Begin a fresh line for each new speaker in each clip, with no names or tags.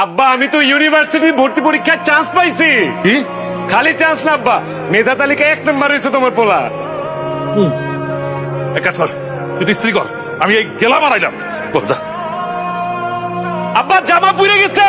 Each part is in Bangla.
আব্বা আমি তো ইউনিভার্সিটি ভর্তি পরীক্ষার চান্স পাইছি।
কি?
খালি চান্স না আব্বা, মেধা তালিকা 1 নম্বর হয়েছে তোমার পোলা।
এক কাজ কর, তুই স্ত্রী কর, আমি এই গেলাম আর আইলাম। বল, যা।
আব্বা জামা পুড়ে গেছে।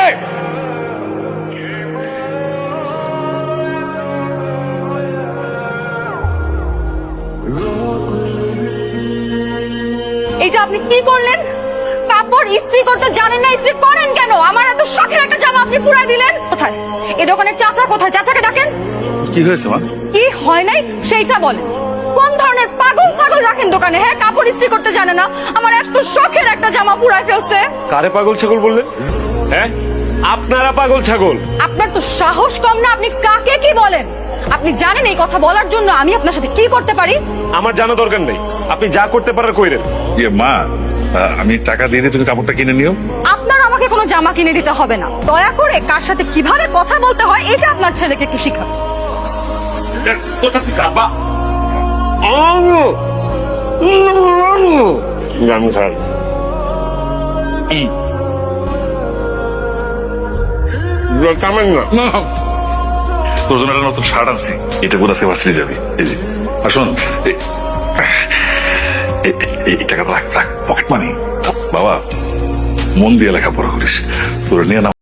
এইটা আপনি কি করলেন? কাপড় ইস্ত্রি করতে জানেন না, ইস্ত্রি করেন কেন? আমার এত শখের একটা জামা আপনি পুরাই দিলেন। কোথায় এই দোকানের চাচা? কোথায়? চাচাকে ডাকেন।
কি হয়েছে মা?
কি হয় নাই সেইটা বলেন। কোন ধরনের পাগল ছাগল রাখেন দোকানে? হ্যাঁ, কাপড় ইস্ত্রি করতে জানে না, আমার এত শখের একটা জামা পুরাই ফেলছে।
কারে পাগল ছাগল বললেন? হ্যাঁ আপনারা পাগল ছাগল।
আপনার তো সাহস কম না, আপনি কাকে কি বলেন? আপনি জানেন এই কথা বলার জন্য আমি আপনার সাথে কি করতে পারি?
আমার জানা দরকার নেই, আপনি যা করতে পারার কইরেন।
ইয়ে মা, আমি টাকা দিয়ে দিয়ে তুমি কাপড়টা কিনে নিও।
আপনার আমাকে কোনো জামা কিনে দিতে হবে না। দয়া করে কার সাথে কিভাবে কথা বলতে হয় এটা আপনার ছেলেকে একটু শিখান।
আব্বা জানি স্যার কামেন না।
না, তোর জন্য একটা নতুন শার্ট আনছি, এটা পরে আজকে ভার্সিটি যাবি। এই যে, আর শোন, এই টাকাটা রাখ, রাখ, পকেট মানি। বাবা, মন দিয়ে লেখাপড়া করিস, তোর নিয়ে না